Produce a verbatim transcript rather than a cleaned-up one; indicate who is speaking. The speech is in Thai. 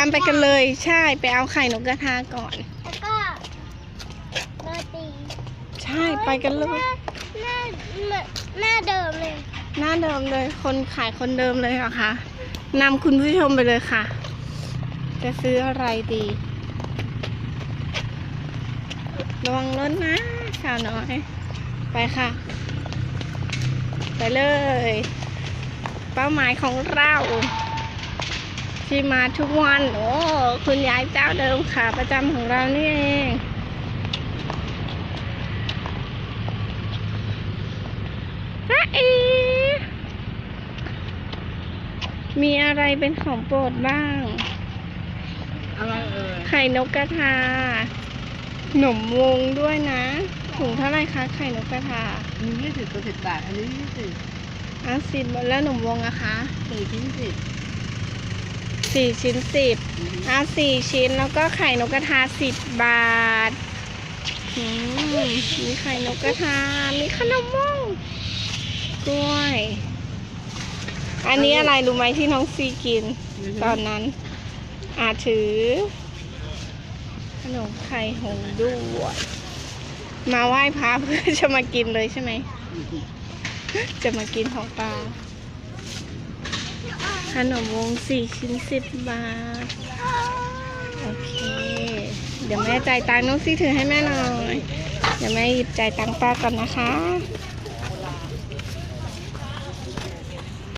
Speaker 1: ามไปกันเลยใช่ไปเอาไข่นกกระทาก่อน
Speaker 2: แล้วก็โรตี
Speaker 1: ใช่ไปกันเลย
Speaker 2: หน้าหน้าเดิมเลย
Speaker 1: หน้าเดิมเลยคนขายคนเดิมเลยเหรอคะนำคุณผู้ชมไปเลยค่ะจะซื้ออะไรดีระวังรถนะสาวน้อยไปค่ะไปเลยเป้าหมายของเราที่มาทุกวันโอ้คุณยายเจ้าเดิมค่ะประจำของเรานี่เองจ้าอีมีอะไรเป็นของโปรดบ้าง
Speaker 3: อะไรเอ่ย
Speaker 1: ไข่นกกระทาหนมวงด้วยนะถุงเท่าไรคะไข่นกกระทา
Speaker 3: มียี่สิบกับสิบบาทอันนี้ยี่สิบ
Speaker 1: อ่ะสิบแล้วหนมวงอะคะ
Speaker 3: สี่ชิ้นสิบ
Speaker 1: สี่ชิ้นสิบอ่ะสี่ชิ้นแล้วก็ไข่นกกระทาสิบบาทอืมมีไข่นกกระทามีขนมวงกล้วยอันนี้อะไรรู้ไหมที่น้องซีกินตอนนั้นอาถือขนมไข่หงด้วยมาไหว้พระเพื่อจะมากินเลยใช่ไหมจะมากินของปลาขนมวงสี่ชิ้นสิบบาทโอเคเดี๋ยวแม่จ่ายตังค์น้องซีถือให้แม่หน่อยเดี๋ยวแม่หยิบจ่ายตังค์ป้าก่อนนะคะ